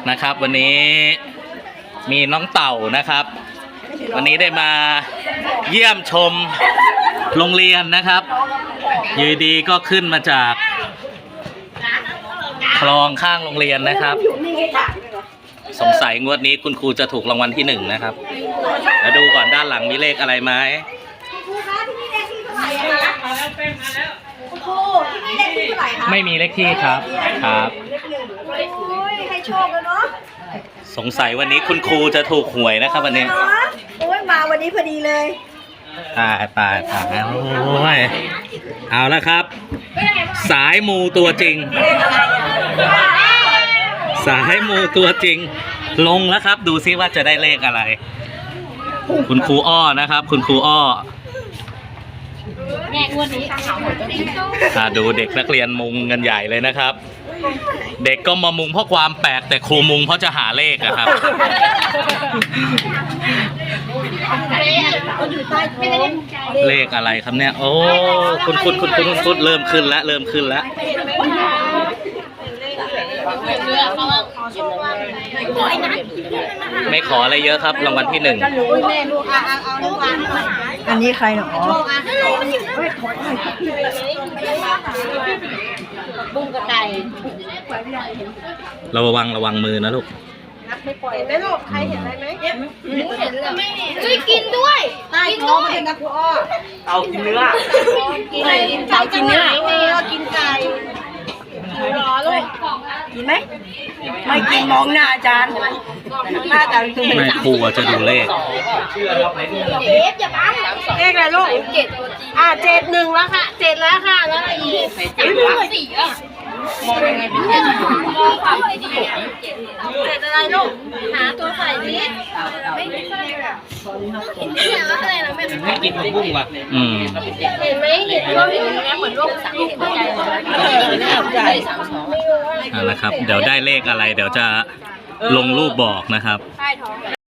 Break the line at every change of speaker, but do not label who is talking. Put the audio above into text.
นะครับวันนี้มีน้องเต่านะครับวันนี้ได้มาเยี่ยมชมโรงเรียนนะครับอยู่ดีก็ขึ้นมาจากคลองข้างโรงเรียนนะครับสงสัยงวดนี้คุณครูจะถูกรางวัลที่1นะครับแล้วดูก่อนด้านหลังมีเลขอะไรไหมไม่มีเลขที่ครับ
ให้โชคแล้วเนาะ
สงสัยวันนี้คุณครูจะถูกหวยนะครับวันนี้
โอ้ยมาวันนี้พอดีเลย
ตายโอ้ยเอาละครับสายมูตัวจริงสายมูตัวจริงลงแล้วครับดูซิว่าจะได้เลขอะไรคุณครูอ้อนะครับคุณครูอ้อ
แม่งวดนี้
ดูเด็กนักเรียนมุงกันใหญ่เลยนะครับเด็กก็มามุงเพราะความแปลกแต่ครูมุงเพราะจะหาเลขอะครับเลขอะไรครับเนี่ยโอ้คุณเริ่มขึ้นแล้วไม่ขออะไรเยอะครับรางวัลที่1
อันนี้ใครหรอ
บุ้งกระไก่
ระวังมือนะลูก
ไม่ปล่อยไหมลูกใครเห็นอะไรไหม
เห็นแล้วช่วยกินด้วย
ใต้ท้องมันเป็นนะครูอ้อ
เอากินเนื้อ
กินเนื้อกินไก่รอลูกกินไหมไม่กินมองหน้าอาจารย์หน้าอาจารย์คือ
ไม่ครูจะดูเลข
เด็กอย่าบัง
เลขอะไรลูก7 แล้วค่ะ7แล้วค่ะแล้วอะไรอีก
4อ่ะมองยังไงเป็นมองฝั่งดี
7อะไรลูก
หาตัวใส่ดิไม่ได้อะไรนะ
ไม่กินผักบุ้งว่ะ
เห็นไหมเห็นว่าเห็นไหมเหมือนโรคสังเกตใจ
นะครับเดี๋ยวได้เลขอะไรเดี๋ยวจะลงรูปบอกนะครับ